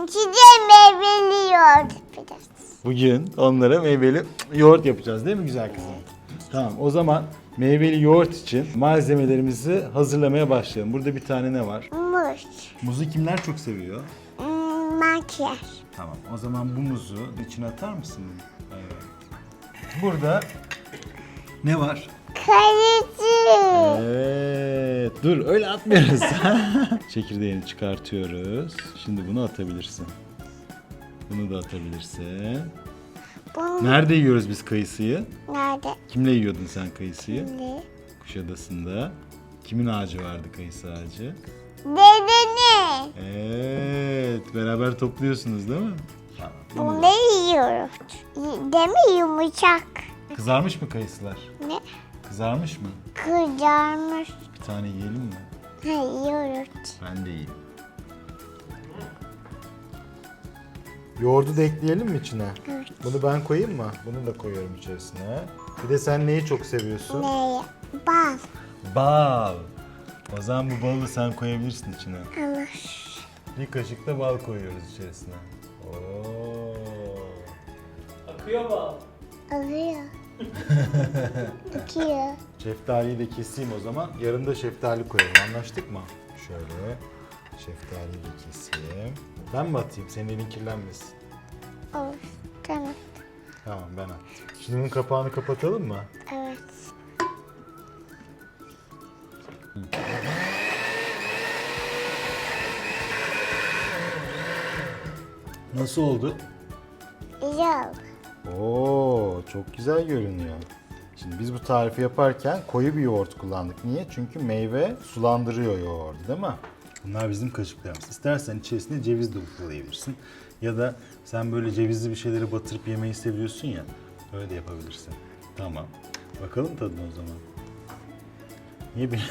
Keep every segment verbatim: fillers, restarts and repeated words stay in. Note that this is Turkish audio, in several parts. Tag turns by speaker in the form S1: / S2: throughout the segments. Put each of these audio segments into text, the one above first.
S1: size meyveli yoğurt yapacağız.
S2: Bugün onlara meyveli yoğurt yapacağız değil mi güzel kızım? Tamam, o zaman meyveli yoğurt için malzemelerimizi hazırlamaya başlayalım. Burada bir tane ne var?
S1: Muz.
S2: Muzu kimler çok seviyor?
S1: Hmm, makyaj.
S2: Tamam, o zaman bu muzu içine atar mısın? Evet. Burada ne var?
S1: Kayıcı.
S2: Evet, dur öyle atmıyoruz. Çekirdeğini çıkartıyoruz. Şimdi bunu atabilirsin. Bunu da atabilirsin.
S1: Bunu
S2: Nerede yiyoruz biz kayısıyı?
S1: nerede?
S2: Kimle yiyordun sen kayısıyı?
S1: Ne?
S2: Kuşadası'nda. Kimin ağacı vardı, kayısı ağacı?
S1: Dedene.
S2: Evet, beraber topluyorsunuz değil mi? Tamam, bunu
S1: Bunu
S2: da-
S1: yiyoruz. Y- Değil mi yumuşak?
S2: Kızarmış mı kayısılar?
S1: Ne?
S2: Kızarmış mı?
S1: Kızarmış.
S2: Bir tane yiyelim mi?
S1: Ha, yiyoruz.
S2: Ben de yiyeyim. Yoğurdu da ekleyelim mi içine?
S1: Evet.
S2: Bunu ben koyayım mı? Bunu da koyuyorum içerisine. Bir de sen neyi çok seviyorsun?
S1: Ne? Bal.
S2: Bal. O zaman bu balı sen koyabilirsin içine.
S1: Ama
S2: Bir kaşık da bal koyuyoruz içerisine. Oo.
S3: Akıyor mu?
S1: alıyor. Akıyor.
S2: Şeftaliyi de keseyim o zaman. Yarın da şeftali koyalım. Anlaştık mı? Şöyle. Şeftaliyi de keseyim. Ben mi atayım? Senin elin kirlenmesin.
S1: Olur. Tamam.
S2: Tamam, ben attım. Şimdi bunun kapağını kapatalım mı?
S1: Evet.
S2: Nasıl oldu?
S1: Güzel.
S2: Oo, çok güzel görünüyor. Şimdi biz bu tarifi yaparken koyu bir yoğurt kullandık. Niye? Çünkü meyve sulandırıyor yoğurdu, değil mi? Bunlar bizim kaşıklarımız. İstersen içerisine ceviz de ufvalayabilirsin. Ya da sen böyle cevizli bir şeyleri batırıp yemeyi seviyorsun ya. Öyle de yapabilirsin. Tamam. Bakalım tadına o zaman. Niye bir...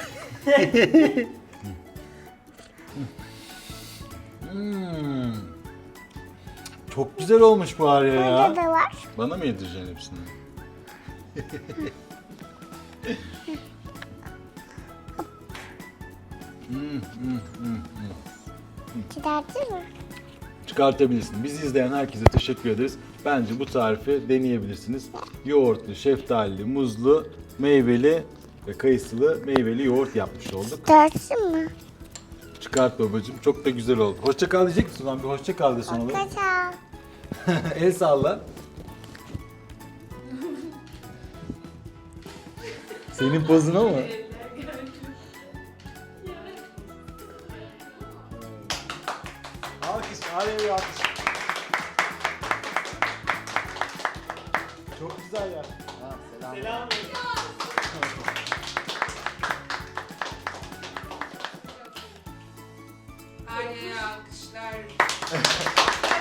S2: Hmm. Çok güzel olmuş bu Arya ya.
S1: Burada da var.
S2: Bana mı yedireceksin hepsini?
S1: Çıkartır mı?
S2: Çıkartabilirsin. Bizi izleyen herkese teşekkür ederiz. Bence bu tarifi deneyebilirsiniz. Yoğurtlu, şeftalili, muzlu, meyveli ve kayısılı meyveli yoğurt yapmış olduk.
S1: Çıkartsın mı?
S2: Çıkart babacığım. Çok da güzel oldu. Hoşça kal diyecek misin lan? Bir hoşça kal de son olarak.
S1: Kaçal.
S2: El salla. Senin pozuna mı? Alkış, Arya'ya bir alkış. Çok güzel ya. Ha, selam.
S3: Selam.
S4: Arya'ya alkışlar.